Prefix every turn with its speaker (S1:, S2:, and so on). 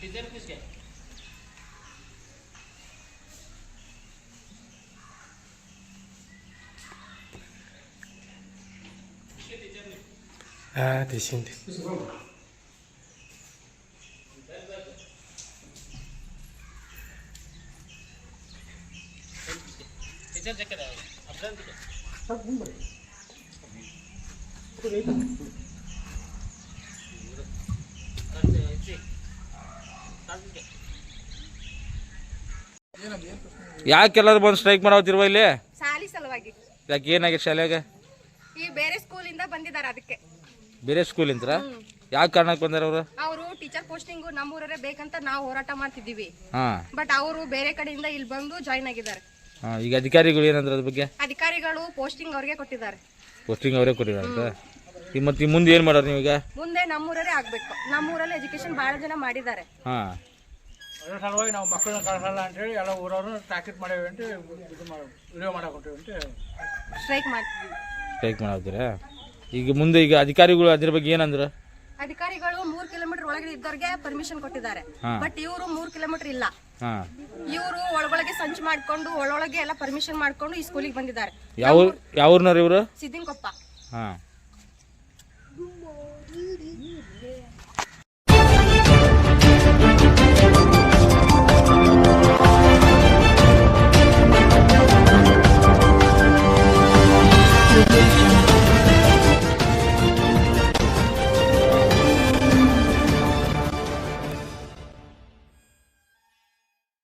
S1: देशील
S2: ಯಾಕೆಲ್ಲರೂ ಬಂದು ಸ್ಟ್ರೈಕ್ ಮಾಡಾವತ್ತಿರುವ ಇಲ್ಲಿ?
S3: ಶಾಲಿ ಸಲುವಾಗಿ.
S2: ಯಾಕೆ ಏನಾಗಿದೆ ಶಾಲೆಗೆ?
S3: ಈ ಬೇರೆ ಸ್ಕೂಲ್ ಇಂದ ಬಂದಿದ್ದಾರೆ ಅದಕ್ಕೆ.
S2: ಬೇರೆ ಸ್ಕೂಲ್ ಇಂತ್ರ ಯಾವ ಕಾರಣಕ್ಕೆ ಬಂದಾರ ಅವರು?
S3: ಅವರು ಟೀಚರ್ ಪೋಸ್ಟಿಂಗ್ ನಮ್ಮೂರೇ ಬೇಕಂತ ನಾವು ಹೋರಾಟ ಮಾಡ್ತಿದ್ದೀವಿ.
S2: ಹಾ,
S3: ಬಟ್ ಅವರು ಬೇರೆ ಕಡೆಯಿಂದ ಇಲ್ಲಿ ಬಂದು ಜಾಯಿನ್ ಆಗಿದ್ದಾರೆ.
S2: ಈಗ ಅಧಿಕಾರಿಗಳು ಏನಂದ್ರೆ ಅದ್ರ ಬಗ್ಗೆ?
S3: ಅಧಿಕಾರಿಗಳು ಪೋಸ್ಟಿಂಗ್ ಅವ್ರಿಗೆ ಕೊಟ್ಟಿದ್ದಾರೆ.
S2: ಪೋಸ್ಟಿಂಗ್ ಅವರೇ ಕೊಟ್ಟಿದ್ದಾರೆ ಅಂತ. ಮತ್ತೆ ಮುಂದೆ ಏನ್ ಮಾಡೋರು ನೀವೀಗ?
S3: ಮುಂದೆ ನಮ್ಮೂರೇ ಆಗ್ಬೇಕು. ನಮ್ಮೂರಲ್ಲಿ ಎಜುಕೇಶನ್ ಬಹಳ ಜನ ಮಾಡಿದ್ದಾರೆ.
S2: ಹಾ,
S4: ಅದರ ಸಲುವಾಗಿ ನಾವು ಮಕ್ಕಳನ್ನ ಕಳಿಸಲ್ಲ ಅಂತೇಳಿ ಎಲ್ಲ ಊರವರು ತಾಕೀತು ಮಾಡೇವಿ ಅಂತ ವಿಡಿಯೋ ಮಾಡಾಕೊಟ್ಟೇವಿ ಅಂತ
S3: ಸ್ಟ್ರೈಕ್ ಮಾಡ್ತೀವಿ.
S2: ಸ್ಟ್ರೈಕ್ ಮಾಡಾವ್ತೀರಾ? ಈಗ ಮುಂದೆ ಈಗ ಅಧಿಕಾರಿಗಳು ಅದ್ರ ಬಗ್ಗೆ ಏನಂದ್ರ?
S3: ಅಧಿಕಾರಿಗಳು 3 ಕಿಲೋಮೀಟರ್ ಒಳಗಡೆ ಇದ್ದವ್ರಿಗೆ ಪರ್ಮಿಷನ್ ಕೊಟ್ಟಿದ್ದಾರೆ. ಬಟ್ ಇವರು 3 ಕಿಲೋಮೀಟರ್ ಇಲ್ಲ. ಇವರು ಒಳಗೊಳಗೆ ಸಂಚು ಮಾಡ್ಕೊಂಡು ಒಳೊಳಗೆ ಎಲ್ಲ ಪರ್ಮಿಷನ್ ಮಾಡ್ಕೊಂಡು ಈ ಸ್ಕೂಲಿಗೆ ಬಂದಿದ್ದಾರೆ.
S2: ಯಾವ ಊರ್ನವ್ರು ಇವರು?
S3: ಸಿದ್ದಿನಕೊಪ್ಪ.
S2: ಹಾ.